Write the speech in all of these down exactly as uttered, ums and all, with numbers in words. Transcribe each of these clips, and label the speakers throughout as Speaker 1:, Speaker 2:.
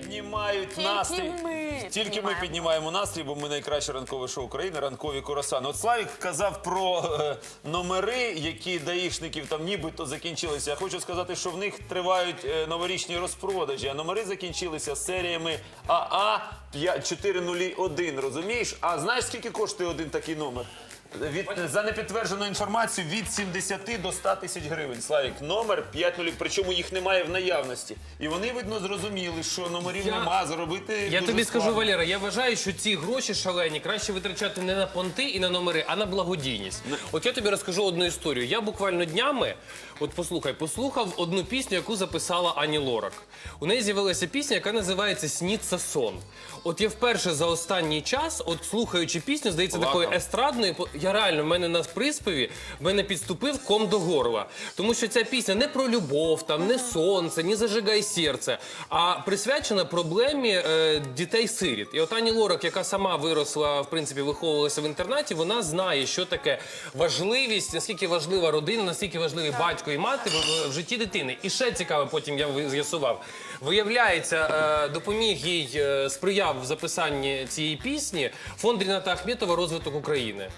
Speaker 1: піднімають
Speaker 2: Тільки
Speaker 1: настрій.
Speaker 2: ми
Speaker 1: Тільки ми
Speaker 2: піднімаємо.
Speaker 1: піднімаємо настрій, бо ми найкраще ранкове шоу України, ранкові курасани. От Славік казав про е, номери, які даїшників там нібито закінчилися. Я хочу сказати, що в них тривають е, новорічні розпродажі, а номери закінчилися серіями А А чотириста один, розумієш? А знаєш, скільки коштує один такий номер? Від, за непідтверджену інформацію від сімдесяти до ста тисяч гривень. Славік, номер п'ять нуль, причому їх немає в наявності. І вони, видно, зрозуміли, що номерів
Speaker 3: Я-
Speaker 1: нема, заробити
Speaker 3: Я
Speaker 1: дуже
Speaker 3: тобі скажу,
Speaker 1: складно.
Speaker 3: Валера, я вважаю, що ці гроші шалені краще витрачати не на понти і на номери, а на благодійність. От я тобі розкажу одну історію. Я буквально днями, от послухай, послухав одну пісню, яку записала Ані Лорак. У неї з'явилася пісня, яка називається «Сніться сон». От я вперше за останній час, от слухаючи пісню, здається,
Speaker 1: Плакав.
Speaker 3: такою естрадною, по- я реально, в мене на приспіві, в мене підступив ком до горла. Тому що ця пісня не про любов, там, не сонце, не зажигай серце, а присвячена проблемі е, дітей-сиріт. І от Ані Лорак, яка сама виросла, в принципі, виховувалася в інтернаті, вона знає, що таке важливість, наскільки важлива родина, наскільки важливі батько і мати в, в житті дитини. І ще цікаво, потім я ви- з'ясував. Виявляється, е, допоміг їй, е, сприяв в записанні цієї пісні фонд Ріната Ахметова «Розвиток України».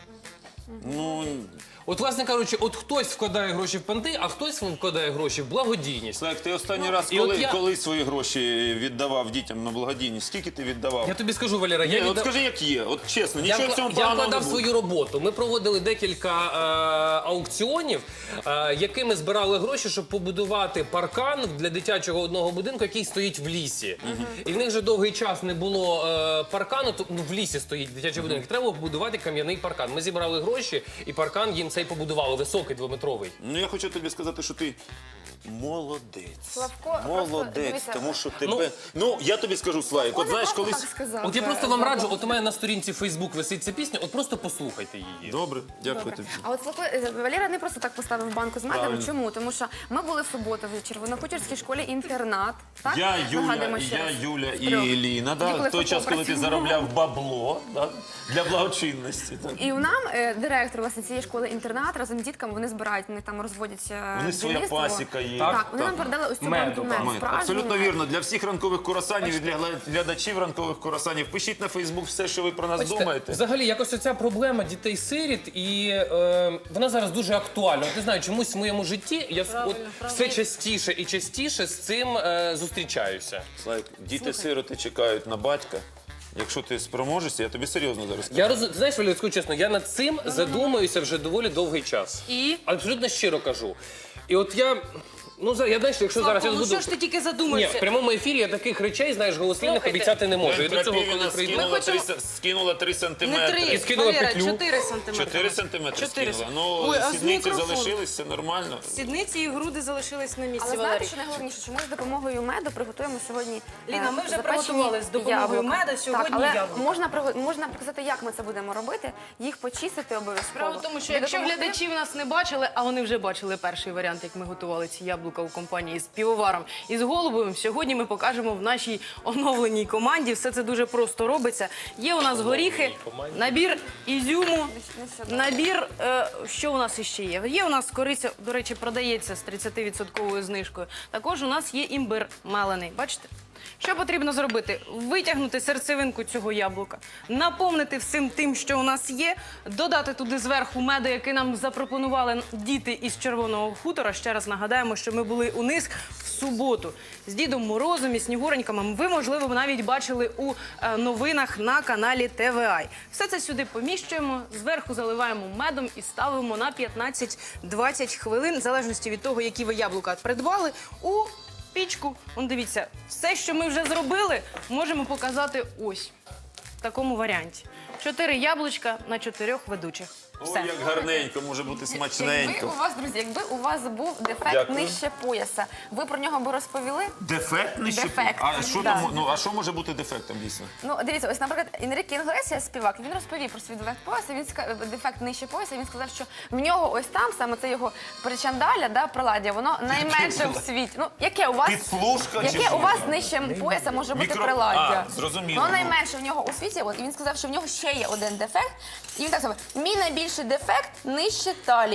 Speaker 1: Ну,
Speaker 3: От, власне кажучи, от хтось вкладає гроші в понти, а хтось вкладає гроші в благодійність.
Speaker 1: Славік, ти останній раз
Speaker 3: і
Speaker 1: коли,
Speaker 3: от я-
Speaker 1: коли свої гроші віддавав дітям на благодійність? Скільки ти віддавав?
Speaker 3: Я тобі скажу, Валера, я
Speaker 1: Ні, от
Speaker 3: відда-
Speaker 1: скажи, як є. От чесно,
Speaker 3: Я,
Speaker 1: нічого в цьому
Speaker 3: вкла- я
Speaker 1: поганого не
Speaker 3: вкладав
Speaker 1: буде.
Speaker 3: свою роботу. Ми проводили декілька е, аукціонів, е, якими збирали гроші, щоб побудувати паркан для дитячого одного будинку, який стоїть в лісі. І в них вже довгий час не було е, паркану, то, ну, в лісі стоїть дитячий будинок. Треба було побудувати кам'яний паркан. Ми зібрали гроші, і паркан їм цей побудували, високий, двометровий.
Speaker 1: Ну, я хочу тобі сказати, що ти молодець.
Speaker 2: Славко,
Speaker 1: молодець,
Speaker 2: просто дивися,
Speaker 1: тому що тебе... Ну, я тобі скажу, Славік, от знаєш,
Speaker 2: Просто
Speaker 1: колись...
Speaker 2: так сказав,
Speaker 3: От я
Speaker 2: е,
Speaker 3: просто вам
Speaker 2: Славко.
Speaker 3: раджу, от у мене на сторінці Фейсбук висить ця пісня, от просто послухайте її.
Speaker 1: Добре, дякую
Speaker 2: Добре.
Speaker 1: тобі.
Speaker 2: А от Славко, е, Валера не просто так поставив банку з медом.
Speaker 1: Правильно.
Speaker 2: Чому? Тому що ми були в суботу в Червонохутірській школі інтернат. Так?
Speaker 1: Я, Юля,
Speaker 2: Нагадуємо ще
Speaker 1: я,
Speaker 2: раз.
Speaker 1: Юля і
Speaker 2: Трьох.
Speaker 1: Еліна, да?
Speaker 2: Ніколи
Speaker 1: в той час, коли ти
Speaker 2: працювала.
Speaker 1: заробляв бабло, да? Для благочинності. Так.
Speaker 2: І у нам е, директор власне цієї школи інтернат разом з дітками вони збирають, вони там розводять е,
Speaker 1: У них своя
Speaker 2: бджільництво.
Speaker 1: пасіка є.
Speaker 2: Так,
Speaker 1: Так,
Speaker 2: вони нам передали ось цю
Speaker 3: Меду,
Speaker 2: банку
Speaker 3: так.
Speaker 2: меду.
Speaker 1: Ми,
Speaker 2: справжній
Speaker 1: абсолютно
Speaker 2: мед.
Speaker 1: вірно. Для всіх ранкових курасанів і для гла- глядачів ранкових курасанів пишіть на Фейсбук все, що ви про нас
Speaker 3: Бачите,
Speaker 1: думаєте.
Speaker 3: Взагалі, якось оця проблема дітей-сиріт, і е, вона зараз дуже актуальна. От, не знаю, чомусь в моєму житті я с- от, все частіше і частіше з цим е, зустрічаюся.
Speaker 1: Слайк, діти-сироти чекають на батька. Якщо ти спроможешся, я тобі серйозно зараз кажу.
Speaker 3: Я роз... Знаєш, Валерій, скажу чесно, я над цим задумуюся вже доволі довгий час.
Speaker 4: І?
Speaker 3: Абсолютно щиро кажу. І от я, ну, за- я знаєш, якщо зараз я
Speaker 4: Ну
Speaker 3: буду...
Speaker 4: що ж ти тільки
Speaker 3: Ні,
Speaker 4: задумаєшся?
Speaker 3: в прямому ефірі я таких речей, знаєш, голослівних
Speaker 4: Слухайте.
Speaker 3: обіцяти не можу. І до цього, коли
Speaker 1: Крапівіна
Speaker 3: прийду...
Speaker 1: скинула,
Speaker 4: хочемо-
Speaker 1: три, с- скинула три
Speaker 4: Не
Speaker 1: сантиметри.
Speaker 4: три,
Speaker 3: І скинула
Speaker 4: Валера,
Speaker 3: петлю.
Speaker 4: чотири сантиметри.
Speaker 1: Чотири сантиметри
Speaker 4: Чотири
Speaker 1: скинула.
Speaker 4: сантиметри.
Speaker 1: Ну,
Speaker 4: Ой, а з
Speaker 1: сідниці
Speaker 4: мікрофоном?
Speaker 1: залишилися нормально.
Speaker 4: Сідниці і груди залишились на місці,
Speaker 2: Але
Speaker 4: Валерій.
Speaker 2: знаєте, що найголовніше, що ми з допомогою меду приготуємо сьогодні.
Speaker 4: Ліна,
Speaker 2: е,
Speaker 4: ми вже
Speaker 2: запечені
Speaker 4: приготували з допомогою
Speaker 2: яблука.
Speaker 4: меду сьогодні
Speaker 2: так, але
Speaker 4: яблука.
Speaker 2: можна приго- можна показати, як ми це будемо робити, їх почистити обов'язково.
Speaker 4: Справа в тому, що
Speaker 2: Ви
Speaker 4: якщо
Speaker 2: допоможете?
Speaker 4: глядачі в нас не бачили, а вони вже бачили перший варіант, як ми готували ці яблука у компанії з півоваром і з Голубовим, сьогодні ми покажемо в нашій оновленій команді. Все це дуже просто робиться. Є у нас горіхи, набір ізюму, набір, е, що у нас іще є? Є у нас кориця, до речі, продається з тридцятивідсотковою знижкою. Також у нас є імбир мелений, бачите? Що потрібно зробити? Витягнути серцевинку цього яблука, наповнити всім тим, що у нас є, додати туди зверху меду, який нам запропонували діти із Червоного хутора. Ще раз нагадаємо, що ми були у них в суботу з Дідом Морозом і Снігуреньками. Ви, можливо, навіть бачили у е, новинах на каналі Т В А. Все це сюди поміщуємо, зверху заливаємо медом і ставимо на п'ятнадцять-двадцять хвилин, в залежності від того, які ви яблука придбали, у пічку. Он дивіться, все, що ми вже зробили, можемо показати ось в такому варіанті. Чотири яблучка на чотирьох ведучих.
Speaker 1: Ой,
Speaker 2: Все.
Speaker 1: як гарненько, може бути
Speaker 2: Якби
Speaker 1: смачненько.
Speaker 2: у вас, друзі, якби у вас був дефект
Speaker 1: Дякую.
Speaker 2: нижче пояса, ви про нього би розповіли?
Speaker 1: Дефект нижче?
Speaker 2: Дефект,
Speaker 1: А що
Speaker 2: да.
Speaker 1: там, ну, а що може бути дефектом, дійсно?
Speaker 2: Ну, дивіться, ось, наприклад, Енріке Інглесіас, співак, він розповів про свій дефект пояса, він ска- дефект нижче пояса, він сказав, що в нього ось там, саме це його причандаля, да, приладдя, воно найменше в світі. Ну, яке у вас,
Speaker 1: Підслужка чи
Speaker 2: яке
Speaker 1: що?
Speaker 2: у вас нижче пояса може бути
Speaker 1: Мікро-
Speaker 2: приладдя?
Speaker 1: А, зрозуміло.
Speaker 2: Воно найменше в нього у світі, от, і він сказав, що в нього ще є один дефект, і він так сказав, мій найбільший дефект нижче талії.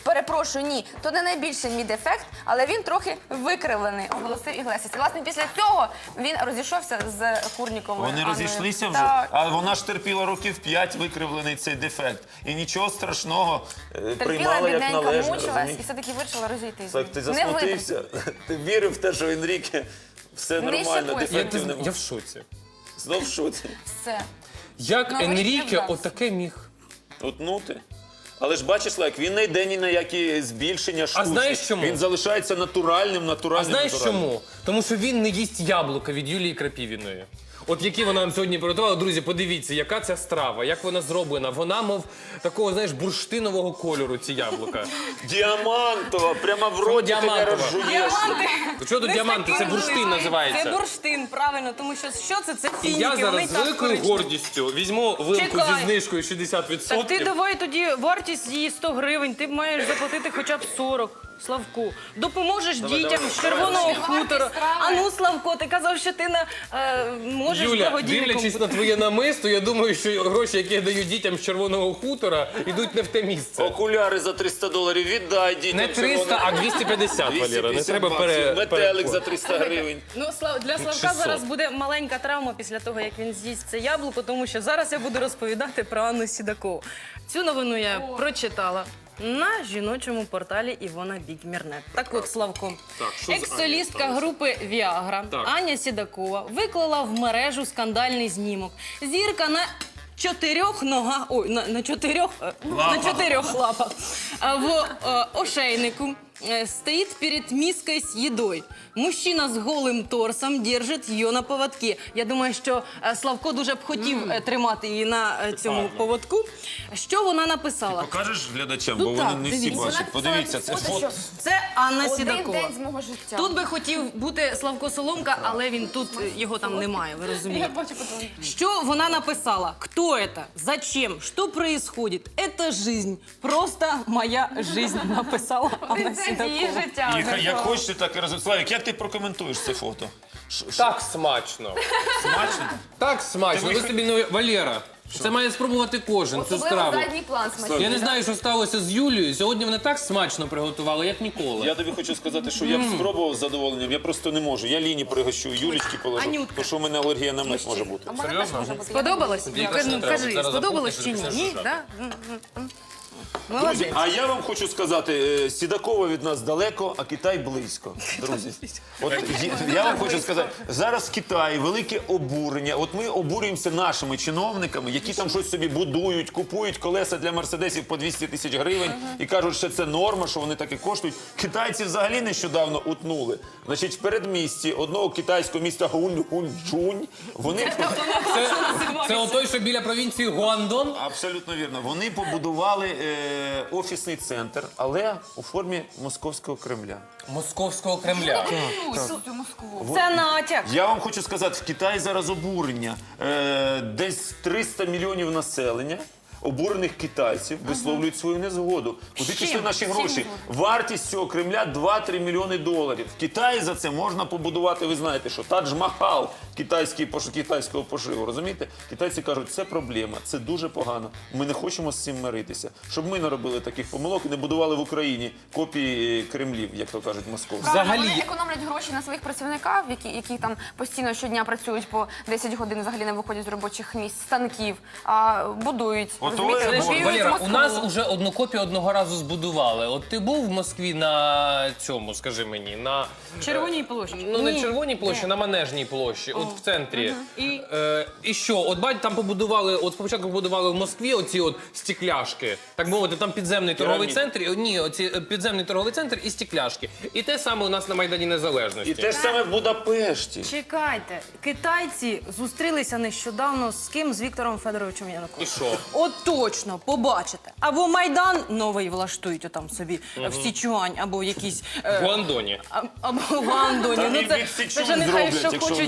Speaker 2: перепрошую, ні, то не найбільший мій дефект, але він трохи викривлений, оголосив Іглесіас. І, власне, після цього він розійшовся з Курніковою.
Speaker 1: Вони
Speaker 2: Анною.
Speaker 1: розійшлися вже,
Speaker 2: Так.
Speaker 1: а вона ж терпіла років п'ять викривлений цей дефект. І нічого страшного, е,
Speaker 2: Терпіла,
Speaker 1: приймала як
Speaker 2: бідненька,
Speaker 1: належне.
Speaker 2: мучилась
Speaker 1: розумієш?
Speaker 2: і все-таки вирішила розійтись.
Speaker 1: Так, ти
Speaker 2: Не витримала.
Speaker 1: засмутився, ти вірив в те, що Енріке все
Speaker 2: Нижче
Speaker 1: нормально,
Speaker 2: пояса.
Speaker 3: Я,
Speaker 1: дефектів немає.
Speaker 3: я в шоці.
Speaker 1: Знов в шоці.
Speaker 2: Все.
Speaker 3: Як
Speaker 2: Ну,
Speaker 3: Енріке
Speaker 2: вийшли в
Speaker 3: отаке міг?
Speaker 1: Утнути. Але ж бачиш, Лайк, він не йде ні на які збільшення штучні.
Speaker 3: знаєш чому?
Speaker 1: Він залишається натуральним,
Speaker 3: А
Speaker 1: натуральним,
Speaker 3: знаєш
Speaker 1: натуральним.
Speaker 3: чому? Тому що він не їсть яблука від Юлії Крапівіної. От які вона нам сьогодні приготувала. Друзі, подивіться, яка ця страва, як вона зроблена. Вона, мов, такого, знаєш, бурштинового кольору, ці яблука.
Speaker 1: Діамантова, прямо в роті ти не
Speaker 3: діамантова?
Speaker 1: розжуєш.
Speaker 3: Що тут діаманти? Це бурштин називається.
Speaker 4: Це бурштин, правильно, тому що що це? Це
Speaker 3: І
Speaker 4: фініки,
Speaker 3: я
Speaker 4: вони
Speaker 3: зараз з
Speaker 4: так
Speaker 3: великою
Speaker 4: коричневі.
Speaker 3: гордістю візьму вилку
Speaker 4: Чекай.
Speaker 3: зі знижкою шістдесят
Speaker 4: Так ти
Speaker 3: відсотків.
Speaker 4: давай тоді вартість її сто гривень, ти маєш заплатити хоча б сорок. Славку, допоможеш дітям з червоного хутору. А ну, Славко, ти казав, що ти на, е, можеш
Speaker 3: Юля,
Speaker 4: благодійником.
Speaker 3: дивлячись на твоє намисто, я думаю, що гроші, які я даю дітям з червоного хутора, йдуть не в те місце.
Speaker 1: Окуляри за триста доларів віддай дітям.
Speaker 3: Не триста, а двісті п'ятдесят, Валера. Не
Speaker 1: двісті п'ятдесят
Speaker 3: треба
Speaker 1: баксів.
Speaker 3: пере...
Speaker 1: Метелик за триста гривень.
Speaker 4: Ну, Слав, для Славка
Speaker 3: шістсот.
Speaker 4: зараз буде маленька травма після того, як він з'їсть це яблуко, тому що зараз я буду розповідати про Анну Сідакову. Цю новину я прочитала на жіночому порталі Івона Бікмірнет. Так от, Славко,
Speaker 3: Так, що з Анією
Speaker 4: екс-солістка
Speaker 3: сталося?
Speaker 4: групи Віагра
Speaker 3: Так.
Speaker 4: Аня Сідакова виклала в мережу скандальний знімок. Зірка на чотирьох ногах, ой, на, на чотирьох, е, на чотирьох лапах е, в е, ошейнику э, стоит перед миской с едой. Мужчина з голим торсом держить її на поводці. Я думаю, що е, Славко дуже б хотів е, тримати її на е, цьому поводку. Що вона написала?
Speaker 1: Покажеш глядачам,
Speaker 4: Ну
Speaker 1: бо вони
Speaker 4: так,
Speaker 1: не всі
Speaker 4: дивіться.
Speaker 1: бачать. Подивіться, це фото.
Speaker 4: Це Анна
Speaker 2: Один
Speaker 4: Сідакова.
Speaker 2: день з мого життя.
Speaker 4: Тут би хотів бути Славко Соломка, але він тут, е, його там немає, ви
Speaker 2: Я
Speaker 4: розумієте.
Speaker 2: бачу потім.
Speaker 4: Что вона написала? Кто это? Зачем? Что происходит? Это жизнь. Просто моя жизнь, написала Анна
Speaker 2: Це її
Speaker 4: Сідакова.
Speaker 2: життя.
Speaker 1: І як хочете, так і розумієте. Славік, як ти прокоментуєш це фото? Ш- ш-
Speaker 3: Так смачно.
Speaker 1: Смачно?
Speaker 3: Так смачно.
Speaker 1: Ти
Speaker 3: Ви
Speaker 1: вих-
Speaker 3: собі не... Валера, це має спробувати кожен, цю
Speaker 2: Особливо
Speaker 3: страву.
Speaker 2: задній план смачний.
Speaker 3: Я не знаю, що сталося з Юлією. Сьогодні вони так смачно приготували, як ніколи.
Speaker 1: Я тобі хочу сказати, що я б спробував з задоволенням, я просто не можу. Я Ліні пригощу, Юлічки положу,
Speaker 4: Анютка.
Speaker 1: тому що у мене алергія на мед може бути.
Speaker 2: А в мене теж
Speaker 3: Серйозно?
Speaker 2: може бути.
Speaker 4: Сподобалось?
Speaker 3: Тобі якось не
Speaker 4: Ну,
Speaker 3: треба.
Speaker 4: кажи,
Speaker 3: Зараз
Speaker 4: сподобалось чи
Speaker 3: запустиш,
Speaker 4: ні?
Speaker 3: і
Speaker 4: Ні,
Speaker 3: почнеш
Speaker 4: так? М, м, м.
Speaker 1: Друзі,
Speaker 4: Молодець.
Speaker 1: а я вам хочу сказати, е, Сідакова від нас далеко, а Китай близько. Друзі, от є- я вам хочу сказати, зараз в Китаї велике обурення. От ми обурюємося нашими чиновниками, які там щось собі будують, купують колеса для мерседесів по двісті тисяч гривень і кажуть, що це норма, що вони так і коштують. Китайці взагалі нещодавно утнули. Значить, в передмісті одного китайського міста Гунь-Гунь-Чунь вони
Speaker 3: Це, це отой, що біля провінції Гуандон.
Speaker 1: абсолютно вірно. Вони побудували е, офісний центр, але у формі московського Кремля.
Speaker 3: Московського Кремля.
Speaker 2: Цю Москву.
Speaker 4: Це натяк.
Speaker 1: Я вам хочу сказати, в Китаї зараз обурення. Е, десь триста мільйонів населення. Обурених китайців висловлюють свою незгоду. Куди пішли наші гроші? Вартість цього Кремля два-три мільйони доларів. В Китаї за це можна побудувати, ви знаєте, що Тадж-Махал китайський, пош- китайського пошиву. Розумієте? Китайці кажуть, це проблема, це дуже погано. Ми не хочемо з цим миритися. Щоб ми не робили таких помилок і не будували в Україні копії Кремлів, як то кажуть, московські.
Speaker 3: Взагалі-
Speaker 2: Вони економлять гроші на своїх працівників, які, які там постійно щодня працюють по десять годин, взагалі не виходять з робочих місць, станків, а будують.
Speaker 1: Ото
Speaker 2: розумієте,
Speaker 1: я
Speaker 2: копіюють
Speaker 3: Валера,
Speaker 2: Москву.
Speaker 3: у нас уже одну копію одного разу збудували. От ти був в Москві на цьому, скажи мені, на
Speaker 4: Червоній площі.
Speaker 3: ну не
Speaker 4: Ні.
Speaker 3: червоній площі, на Манежній площі, от в центрі.
Speaker 4: І?
Speaker 3: Е, і що? От бать там побудували, от спочатку побудували в Москві оці от стекляшки. Так мовити, там підземний торговий
Speaker 1: Піраміди.
Speaker 3: центр. і- Ні, оці е, підземний торговий центр і стекляшки. І те саме у нас на Майдані Незалежності.
Speaker 1: І те ж саме в Будапешті.
Speaker 4: Чекайте, китайці зустрілися нещодавно з ким? З Віктором Федоровичем
Speaker 3: І
Speaker 4: Януковичем.
Speaker 3: що?
Speaker 4: От точно, побачите. Або Майдан новий влаштують отам собі в Січуань, або якісь... е,
Speaker 3: В Гуандоні.
Speaker 4: а- Або в Андоні.
Speaker 1: Там
Speaker 4: Ну
Speaker 1: і
Speaker 4: це,
Speaker 1: від
Speaker 4: це
Speaker 1: Січу
Speaker 4: вже нехай
Speaker 1: зроблять,
Speaker 4: що
Speaker 1: якщо
Speaker 4: хочуть,
Speaker 1: вони
Speaker 4: те й
Speaker 1: зроблять
Speaker 4: роблять.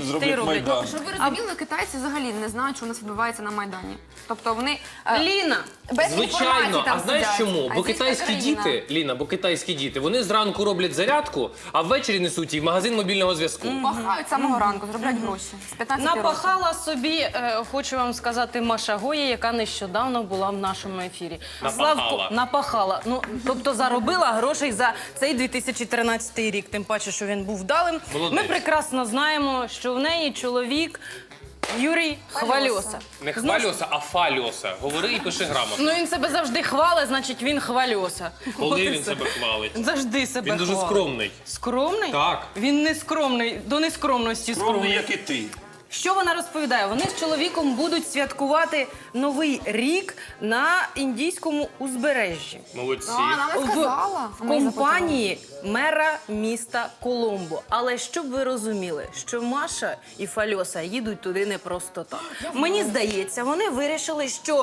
Speaker 1: Майдан.
Speaker 2: Щоб ви розуміли, китайці взагалі не знають, що у нас відбувається на Майдані. Тобто вони е,
Speaker 4: Ліна,
Speaker 2: без інформації
Speaker 3: Звичайно,
Speaker 2: там
Speaker 3: а знаєш
Speaker 2: сидять.
Speaker 3: чому? Бо
Speaker 2: Азійська
Speaker 3: китайські
Speaker 2: країна.
Speaker 3: діти, Ліна, бо китайські діти, вони зранку роблять зарядку, а ввечері несуть її в магазин мобільного зв'язку.
Speaker 2: Пахають з самого ранку, заробляють гроші. З п'ятнадцяти років.
Speaker 4: напахала собі, е, хочу вам сказати, Маша Гоя, яка нещодавно була в нашому ефірі.
Speaker 3: Напахала.
Speaker 4: Славко, напахала. Ну, тобто заробила грошей за цей дві тисячі тринадцятий рік, тим паче, що він був вдалим.
Speaker 3: Молодець.
Speaker 4: Ми прекрасно знаємо, що в неї чоловік Юрій Хвальоса.
Speaker 3: Не хвалюса, а фалюса. Говори і пиши грамотно.
Speaker 4: Ну він себе завжди хвалить, значить він хвальоса. От
Speaker 3: Коли
Speaker 4: і
Speaker 3: він
Speaker 4: все.
Speaker 3: себе хвалить?
Speaker 4: Завжди себе
Speaker 3: Він дуже
Speaker 4: хвалить.
Speaker 3: скромний.
Speaker 4: Скромний?
Speaker 3: Так.
Speaker 4: Він не скромний, до нескромності
Speaker 1: Скромний,
Speaker 4: скромний.
Speaker 1: як і ти.
Speaker 4: Що вона розповідає? Вони з чоловіком будуть святкувати Новий рік на індійському узбережжі.
Speaker 3: Молодці.
Speaker 2: А, вона не
Speaker 4: В,
Speaker 2: сказала.
Speaker 4: в компанії мера міста Коломбо. Але щоб ви розуміли, що Маша і Фальоса їдуть туди не просто так. Мені здається, вони вирішили, що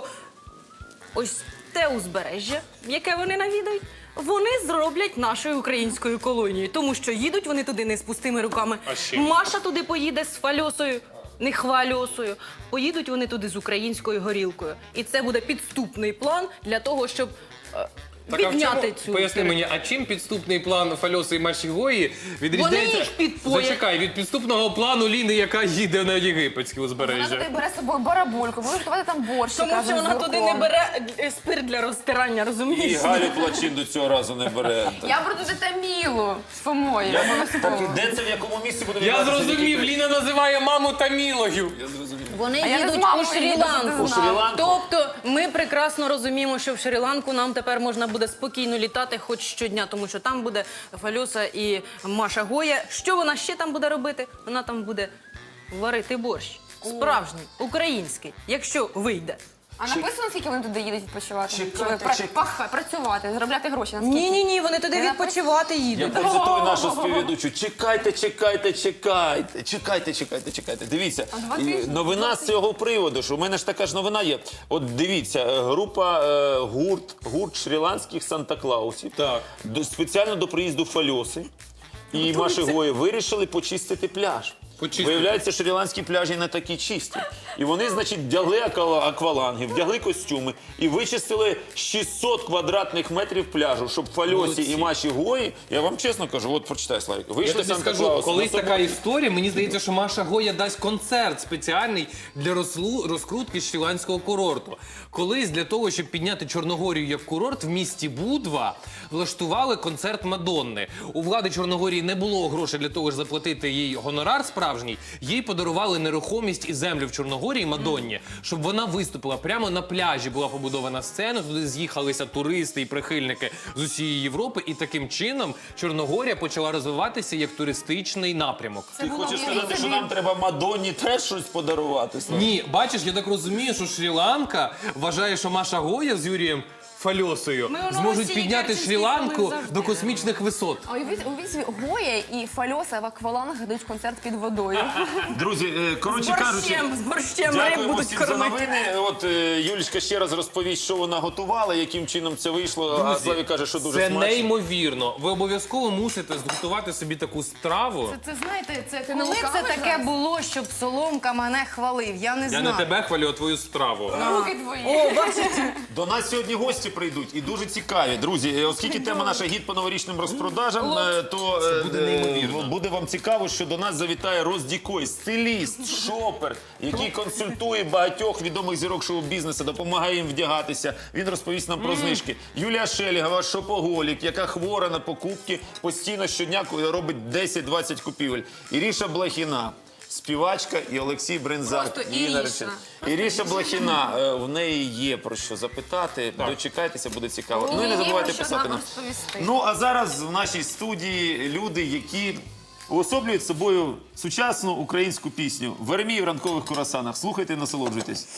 Speaker 4: ось те узбережжя, яке вони навідають, вони зроблять нашою українською колонією. Тому що їдуть вони туди не з пустими руками.
Speaker 3: А ще?
Speaker 4: Маша туди поїде з Фальосою. Не хвальосою. Поїдуть вони туди з українською горілкою. І це буде підступний план для того, щоб е,
Speaker 3: Так, а в
Speaker 4: підняти
Speaker 3: чому-
Speaker 4: цю...
Speaker 3: Поясни мені, а чим підступний план Фальоси і Маші Гої відрізняється?
Speaker 4: їх підпоять.
Speaker 3: Зачекай, від підступного плану Ліни, яка їде на єгипетське
Speaker 2: Вона
Speaker 3: узбережжя.
Speaker 2: туди бере з собою барабульку, буде готувати там борщ.
Speaker 4: Тому що вона туди не бере е, спирт для розтирання,
Speaker 1: І
Speaker 4: розумієш?
Speaker 1: Галю Плачин до цього разу не бере.
Speaker 2: Я буду туди Тамілу з Фомою.
Speaker 1: Так,
Speaker 2: обов'язково.
Speaker 1: і де це, в якому місці буде
Speaker 3: Я
Speaker 1: відбуватися
Speaker 3: зрозумів,
Speaker 1: такі-
Speaker 3: Ліна називає маму Тамілою.
Speaker 1: Я зрозумів.
Speaker 4: Вони
Speaker 2: А я не
Speaker 4: їдуть
Speaker 2: з мамою
Speaker 4: у
Speaker 2: їду,
Speaker 4: Шрі-Ланку.
Speaker 2: ти
Speaker 1: знав. У Шрі-Ланку?
Speaker 4: Тобто ми прекрасно розуміємо, що в Шрі-Ланку нам тепер можна буде спокійно літати хоч щодня, тому що там буде Фальоса і Маша Гоя. Що вона ще там буде робити? Вона там буде варити борщ. Справжній, український, якщо вийде.
Speaker 2: А написано, скільки вони туди їдуть відпочивати?
Speaker 1: Чекайте,
Speaker 2: Чи ви пра-
Speaker 1: чекайте.
Speaker 2: паха- працювати, заробляти гроші? Наскільки?
Speaker 4: Ні, ні, ні, вони туди
Speaker 2: Не
Speaker 4: відпочивати
Speaker 1: Я
Speaker 4: їдуть.
Speaker 1: процитую нашу співведучу. Чекайте, чекайте, чекайте, чекайте, чекайте, чекайте. Дивіться,
Speaker 2: два
Speaker 1: і
Speaker 2: тижні,
Speaker 1: новина з цього приводу, що в мене ж така ж новина є. От дивіться, е, група е, гурт, гурт шрі-ланських Санта-Клаусів
Speaker 3: Так.
Speaker 1: до- спеціально до приїзду Фальоси і Маші Гої вирішили почистити пляж.
Speaker 3: Почистити.
Speaker 1: Виявляється, шрі-ланські пляжі не такі чисті. І вони, значить, вдягли аква- акваланги, вдягли костюми і вичистили шістсот квадратних метрів пляжу, щоб Фальосі
Speaker 3: Молодці.
Speaker 1: і Маші Гої, я вам чесно кажу, от прочитай, Славік,
Speaker 3: Я
Speaker 1: вийшли
Speaker 3: тобі скажу,
Speaker 1: Санта-Клауси.
Speaker 3: колись
Speaker 1: на
Speaker 3: така історія, мені здається, що Маша Гоя дасть концерт спеціальний для розлу- розкрутки шрі-ланського курорту. Колись для того, щоб підняти Чорногорію як курорт, в місті Будва влаштували концерт Мадонни. У влади Чорногорії не було грошей для того, щоб заплатити їй гонорар справжній. Їй подарували нерухомість і землю в Чорногорії Мадонні, щоб вона виступила. Прямо на пляжі була побудована сцена, туди з'їхалися туристи і прихильники з усієї Європи. І таким чином Чорногорія почала розвиватися як туристичний напрямок.
Speaker 1: Ти хочеш сказати, що нам треба Мадонні теж щось подарувати? Славік?
Speaker 3: Ні, бачиш, я так розумію, що Шрі-Ланка вважає, що Маша Гоя з Юрієм Фальосою
Speaker 4: Ми у
Speaker 3: зможуть
Speaker 4: Новосілі
Speaker 3: підняти
Speaker 4: Керченській
Speaker 3: Шрі-Ланку
Speaker 4: були завжди.
Speaker 3: до космічних висот.
Speaker 2: А уявіть, уявіть собі, Гоя і Фальоса в аквалангах дають концерт під водою.
Speaker 1: Друзі, е,
Speaker 4: З
Speaker 1: коротше кажучи,
Speaker 4: борщем, з борщем риб
Speaker 1: дякуємо
Speaker 4: будуть
Speaker 1: всім за
Speaker 4: кормити.
Speaker 1: новини. От е, Юлічка ще раз розповість, що вона готувала, яким чином це вийшло. А Славік каже, що дуже
Speaker 3: Це
Speaker 1: смачно.
Speaker 3: неймовірно. Ви обов'язково мусите зготувати собі таку страву.
Speaker 4: Це знаєте, це
Speaker 2: не
Speaker 4: коли це
Speaker 2: лукавий
Speaker 4: таке
Speaker 2: зараз?
Speaker 4: було, щоб Соломка мене хвалив. Я не
Speaker 3: Я
Speaker 4: знаю.
Speaker 3: не тебе хвалю, а твою страву.
Speaker 2: Руки твої.
Speaker 4: О, бачите?
Speaker 1: До нас сьогодні гості прийдуть і дуже цікаві. Друзі, е, оскільки тема наша гід по новорічним розпродажам, е, то е,
Speaker 3: буде
Speaker 1: е,
Speaker 3: неймовірно.
Speaker 1: буде вам цікаво, що до нас завітає Роздікой, стиліст, шопер, який консультує багатьох відомих зірок шоу-бізнесу, допомагає їм вдягатися. Він розповість нам про знижки. Юлія Шелігова, шопоголік, яка хвора на покупки, постійно щодня робить десять-двадцять купівель. Іріша Блохіна. Співачка і Олексій Брензак.
Speaker 2: Просто
Speaker 1: її
Speaker 2: Іріша.
Speaker 1: наречений. Іріша Блохіна, е, в неї є про що запитати. Дочекайтеся, буде цікаво. Ну і не
Speaker 2: Є
Speaker 1: забувайте
Speaker 2: про що
Speaker 1: писати
Speaker 2: нам
Speaker 1: нам.
Speaker 2: розповісти.
Speaker 1: Ну а зараз в нашій студії люди, які уособлюють собою сучасну українську пісню «Веремій в ранкових курасанах». Слухайте і насолоджуйтесь.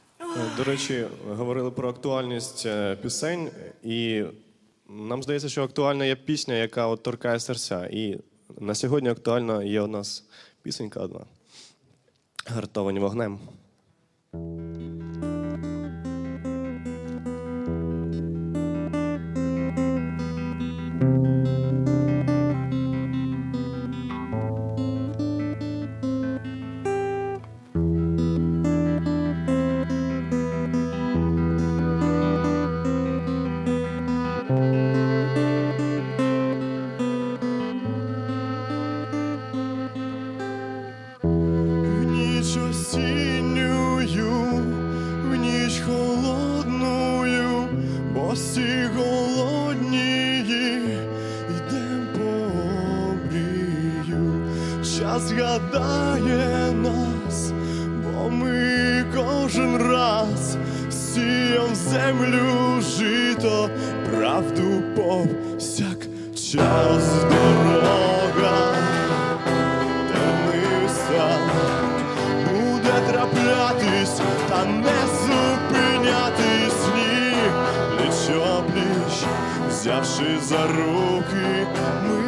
Speaker 5: До речі, говорили про актуальність е, пісень, і нам здається, що актуальна є пісня, яка от торкає серця. І на сьогодні актуальна є у нас пісенька одна «Гартовані вогнем». згадає нас, бо ми кожен раз сіям землю жито, правду повсякчас дорога терниста буде траплятись та не зупинятись, ні, пліч-о-пліч, взявши за руки, ми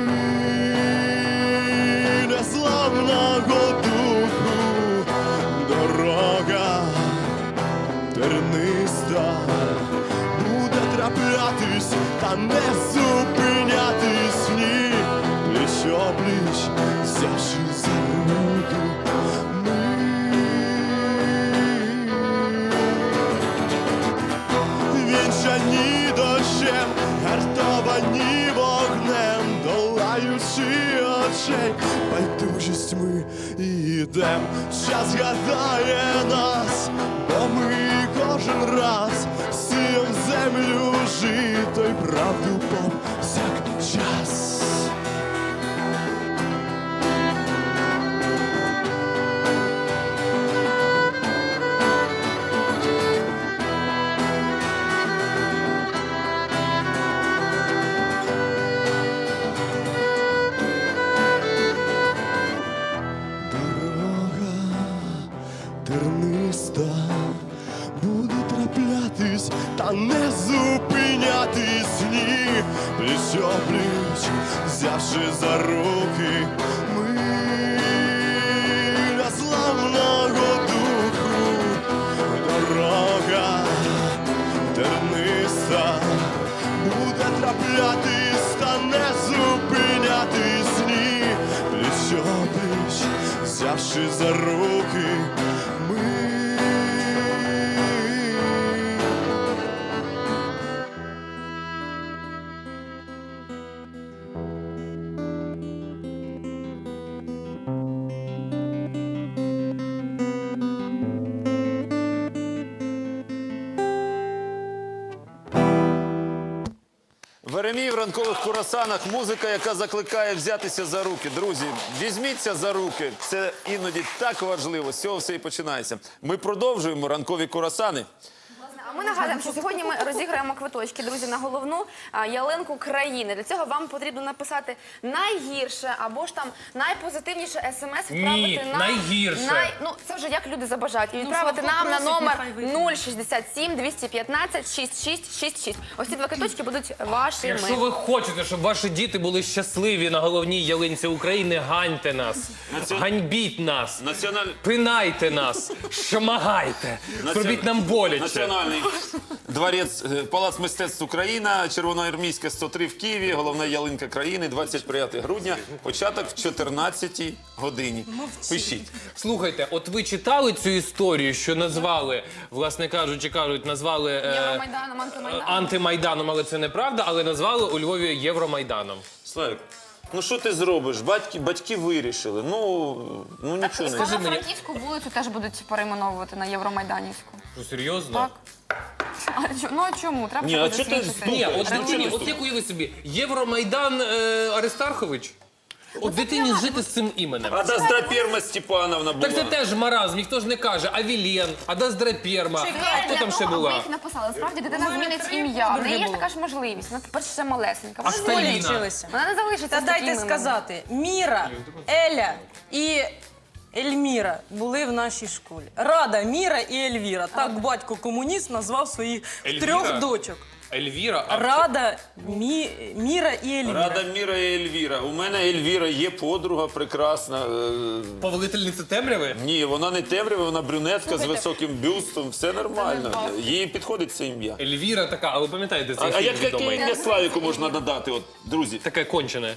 Speaker 5: незламного духу, дорога терниста буде траплятись та не зупинятись, ні, пліч-о-пліч, взявши за руки, ми вінчані дощем, гартовані вогнем, долаючи очей байдужість, ми йдем. Час гадає нас, бо ми кожен раз сіям землю жито й правду повсякчас. Терниста буде траплятись та не зупинятись, ні, пліч-о-пліч, взявши за руки, ми незламного духу, дорога терниста буде траплятись та не зупинятись, ні, пліч-о-пліч, взявши за руки, ми
Speaker 1: Веремій в ранкових курасанах. Музика, яка закликає взятися за руки. Друзі, візьміться за руки. Це іноді так важливо. З цього все і починається. Ми продовжуємо ранкові курасани.
Speaker 2: А ми нагадуємо, що сьогодні ми розіграємо квиточки, друзі, на головну а, ялинку країни. Для цього вам потрібно написати найгірше або ж там найпозитивніше смс відправити
Speaker 3: Ні,
Speaker 2: на
Speaker 3: найгірше.
Speaker 2: Най... Ну це вже як люди забажають. І відправити нам на
Speaker 4: попросить,
Speaker 2: номер
Speaker 4: нехай вийде.
Speaker 2: нуль шістдесят сім двісті п'ятнадцять шістдесят шість шістдесят шість. Ось ці два квиточки будуть вашими.
Speaker 3: Якщо ви хочете, щоб ваші діти були щасливі на головній ялинці України, ганьте нас,
Speaker 1: Націон-
Speaker 3: ганьбіть нас,
Speaker 1: Національ...
Speaker 3: пинайте нас, шмагайте, зробіть нам боляче.
Speaker 1: Національний дворець, е, Палац мистецтв Україна, Червоноармійська, сто три в Києві, головна ялинка країни, двадцять дев'яте грудня, початок в чотирнадцятій годині. Пишіть.
Speaker 3: Слухайте, от ви читали цю історію, що назвали, власне кажучи, кажуть, назвали е,
Speaker 2: Євромайданом, антимайданом.
Speaker 3: антимайданом, але це неправда, але назвали у Львові Євромайданом.
Speaker 1: Славік, ну що ти зробиш? Батьки, батьки вирішили. Ну, ну нічого не.
Speaker 3: скажи мені-
Speaker 2: Франківську вулицю теж будуть перейменовувати на Євромайданівську.
Speaker 3: Що, серйозно?
Speaker 2: Так. А чо- ну а чому? Треба
Speaker 1: Ні, а
Speaker 2: щось
Speaker 1: чого ти
Speaker 2: освітити.
Speaker 3: Ні,
Speaker 1: Слухай,
Speaker 3: от
Speaker 1: ну,
Speaker 3: дитині,
Speaker 1: чого
Speaker 3: от
Speaker 1: ти
Speaker 3: як уяви собі, Євромайдан е, Аристархович? От дитині жити з цим іменем.
Speaker 1: А Доздраперма Степановна була.
Speaker 3: Так це теж маразм, ніхто ж не каже. Авілєн, Адаздрапєрма, а хто
Speaker 2: Для
Speaker 3: там ще
Speaker 2: того, аби
Speaker 3: була?
Speaker 2: їх написали. Насправді дитина
Speaker 4: мене
Speaker 2: змінить
Speaker 4: три
Speaker 2: ім'я. В
Speaker 4: подруги
Speaker 2: неї є ж
Speaker 4: було.
Speaker 2: така ж можливість. Вона тепер ще малесенька.
Speaker 3: А
Speaker 2: Вона,
Speaker 3: Сталіна?
Speaker 4: Вчилися.
Speaker 2: вона не залишиться
Speaker 4: Та
Speaker 2: з
Speaker 4: дайте
Speaker 2: таким іменем.
Speaker 4: сказати, Міра, Еля і Ельміра були в нашій школі. Рада, Міра і Ельвіра. Так батько комуніст назвав своїх
Speaker 3: Ельвіра?
Speaker 4: трьох дочок.
Speaker 3: Ельвіра, а
Speaker 4: Рада, Мі, Міра і Ельвіра.
Speaker 1: Рада, Міра і Ельвіра. У мене Ельвіра є подруга прекрасна. е,
Speaker 3: повелительниця темряви?
Speaker 1: Ні, вона не темрява, вона брюнетка з високим бюстом. Все нормально. Їй підходить це ім'я.
Speaker 3: Ельвіра така, а ви пам'ятаєте
Speaker 1: А,
Speaker 3: цей
Speaker 1: а
Speaker 3: фільм
Speaker 1: як яке
Speaker 3: відомий?
Speaker 1: ім'я Славіку можна надати, от, друзі?
Speaker 3: Таке кончене.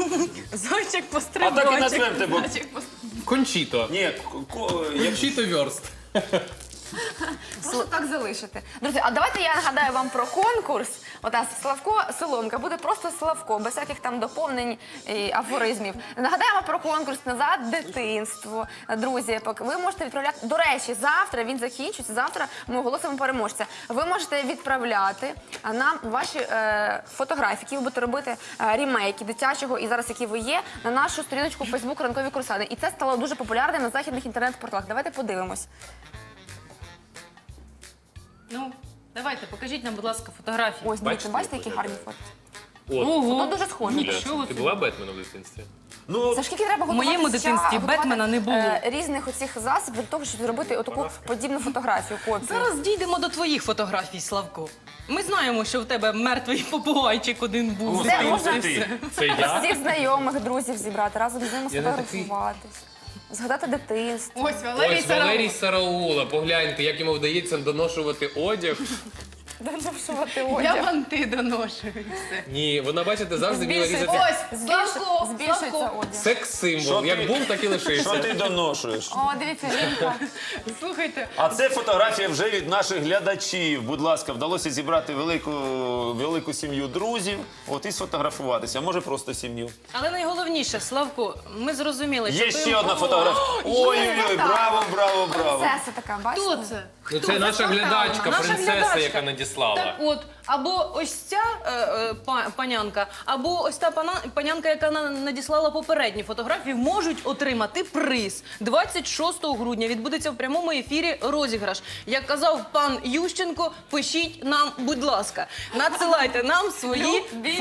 Speaker 4: Зайчик
Speaker 1: А
Speaker 4: пострибочок.
Speaker 1: так і назвемо тебе.
Speaker 3: Кончіто.
Speaker 1: Ні, ко- ко- як
Speaker 3: Кончіто вёрст.
Speaker 2: Просто так залишити. Друзі, а давайте я нагадаю вам про конкурс. От нас Славко Соломка буде просто Славко, без всяких там доповнень і афоризмів. Нагадаємо про конкурс «Назад дитинство». Друзі, поки ви можете відправляти. До речі, завтра він закінчується. Завтра ми оголосимо переможця. Ви можете відправляти нам ваші е, фотографії, які ви будете робити е, рімейки дитячого і зараз, які ви є, на нашу сторіночку в Фейсбук «Ранкові курсани». І це стало дуже популярним на західних інтернет-порталах. Давайте подивимось.
Speaker 4: Ну, давайте, покажіть нам, будь ласка, фотографії.
Speaker 2: Ось, дивіться, бачите, які гарні фото?
Speaker 3: От.
Speaker 4: Ого,
Speaker 2: Фото дуже схожі.
Speaker 4: Нічого
Speaker 3: Ти
Speaker 4: собі.
Speaker 3: була Бетменом в дитинстві?
Speaker 1: Ну,
Speaker 2: Це ж скільки треба
Speaker 4: В моєму
Speaker 2: готуватися,
Speaker 4: дитинстві
Speaker 2: готувати,
Speaker 4: Бетмена не було.
Speaker 2: е, різних оцих засобів для того, щоб зробити отаку подібну фотографію, копію.
Speaker 4: Зараз дійдемо до твоїх фотографій, Славко. Ми знаємо, що в тебе мертвий попугайчик один був. в
Speaker 2: Це
Speaker 4: дитинстві.
Speaker 2: можна
Speaker 1: ти.
Speaker 3: Це я?
Speaker 2: всіх знайомих, друзів зібрати, разом з ними
Speaker 3: Я не такий.
Speaker 2: сфотографуватись, згадати дитинство.
Speaker 4: Ось Валерій
Speaker 3: Ось Валерій
Speaker 4: Сараула.
Speaker 3: Сараула. Погляньте, як йому вдається доношувати одяг.
Speaker 2: Доношувати
Speaker 4: Я
Speaker 2: одяг.
Speaker 4: банти доношу. і все.
Speaker 3: Ні, вона, бачите, завжди вміла
Speaker 2: Збільшується.
Speaker 3: різати.
Speaker 4: Ось,
Speaker 2: Збільшується-
Speaker 4: Славко,
Speaker 2: Збільшується
Speaker 4: Славко.
Speaker 2: одяг.
Speaker 3: Секс-символ.
Speaker 1: Що
Speaker 3: Як
Speaker 1: ти-
Speaker 3: був, так і
Speaker 1: що
Speaker 3: лишився.
Speaker 1: ти доношуєш?
Speaker 2: О, дивіться, жінка.
Speaker 4: Слухайте,
Speaker 1: А це фотографія вже від наших глядачів. Будь ласка, вдалося зібрати велику, велику сім'ю друзів, от і сфотографуватися, а може просто сім'ю.
Speaker 4: але найголовніше, Славко, ми зрозуміли, що
Speaker 1: Є
Speaker 4: ти-
Speaker 1: ще одна
Speaker 4: О,
Speaker 1: фотографія. Ой-ой-ой, браво, браво, браво.
Speaker 2: Принцеса така, бачите?
Speaker 4: Хто це?
Speaker 3: Ну,
Speaker 4: Хто?
Speaker 3: це наша
Speaker 4: спонтанно.
Speaker 3: глядачка,
Speaker 4: Наша
Speaker 3: принцеса,
Speaker 4: глядачка.
Speaker 3: яка надіслала.
Speaker 4: Так от, або ось ця е, е, па- панянка, або ось та пана, панянка, яка на- надіслала попередні фотографії, можуть отримати приз. двадцять шостого грудня відбудеться в прямому ефірі розіграш. Як казав пан Ющенко, пишіть нам, будь ласка, надсилайте нам свої
Speaker 2: Любі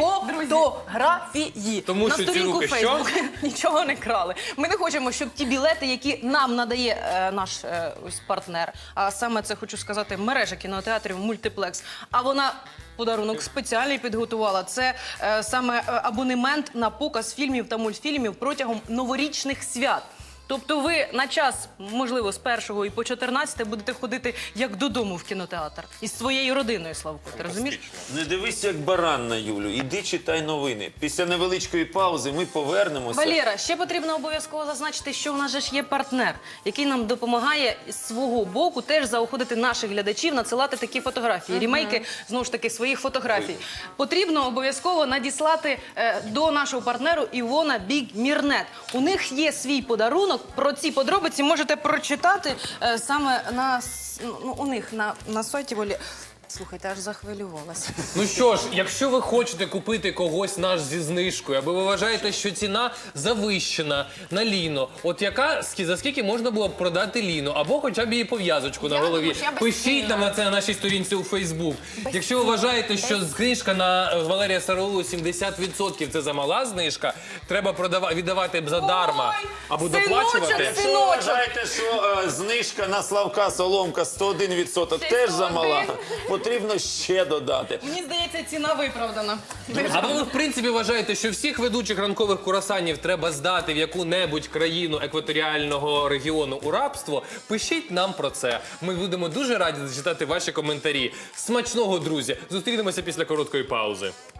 Speaker 4: фотографії.
Speaker 3: Тому
Speaker 4: на
Speaker 3: що ці
Speaker 4: сторінку
Speaker 3: руки
Speaker 4: Фейсбук нічого не крали. Ми не хочемо, щоб ті білети, які нам надає е, наш е, ось партнер, а саме це хочу сказати, мережа кінотеатрів Мультиплекс, а вона подарунок спеціальний підготувала. Це е, саме е, абонемент на показ фільмів та мультфільмів протягом новорічних свят. Тобто ви на час, можливо, з першого і по чотирнадцяте будете ходити як додому в кінотеатр. Із своєю родиною, Славко. Ти розумієш?
Speaker 1: Не дивись, як баран на Юлю. Іди читай новини. Після невеличкої паузи ми повернемося.
Speaker 4: Валера, ще потрібно обов'язково зазначити, що у нас же ж є партнер, який нам допомагає з свого боку теж заохотити наших глядачів надсилати такі фотографії, рімейки, знову ж таки, своїх фотографій. Потрібно обов'язково надіслати е, до нашого партнеру Івона Біг Мірнет. У них є свій подарунок. Про ці подробиці можете прочитати е, саме на, с- ну, у них на, на сайті Волі. Слухайте, аж захвилювалася.
Speaker 3: Ну що ж, якщо ви хочете купити когось наш зі знижкою, або ви вважаєте, що ціна завищена на ліно, от яка скі- за скільки можна було б продати ліно, або хоча б її пов'язочку на
Speaker 2: Я
Speaker 3: голові.
Speaker 2: думаю, що я без
Speaker 3: Пишіть
Speaker 2: ціни.
Speaker 3: нам на це на нашій сторінці у Фейсбук. Якщо ви вважаєте, що знижка на е, Валерія Сараулу сімдесят відсотків це замала знижка, треба продава- віддавати б задарма
Speaker 4: Ой,
Speaker 3: або
Speaker 4: синочок,
Speaker 3: доплачувати.
Speaker 1: Якщо ви
Speaker 4: Синочок.
Speaker 1: вважаєте, що е, знижка на Славка Соломка сто один відсоток
Speaker 4: Ще
Speaker 1: теж
Speaker 4: сто
Speaker 1: замала,
Speaker 4: один.
Speaker 1: потрібно ще додати.
Speaker 4: Мені здається, ціна виправдана.
Speaker 3: Або ви, в принципі, вважаєте, що всіх ведучих ранкових курасанів треба здати в яку-небудь країну екваторіального регіону у рабство, пишіть нам про це. Ми будемо дуже раді зачитати ваші коментарі. Смачного, друзі! Зустрінемося після короткої паузи.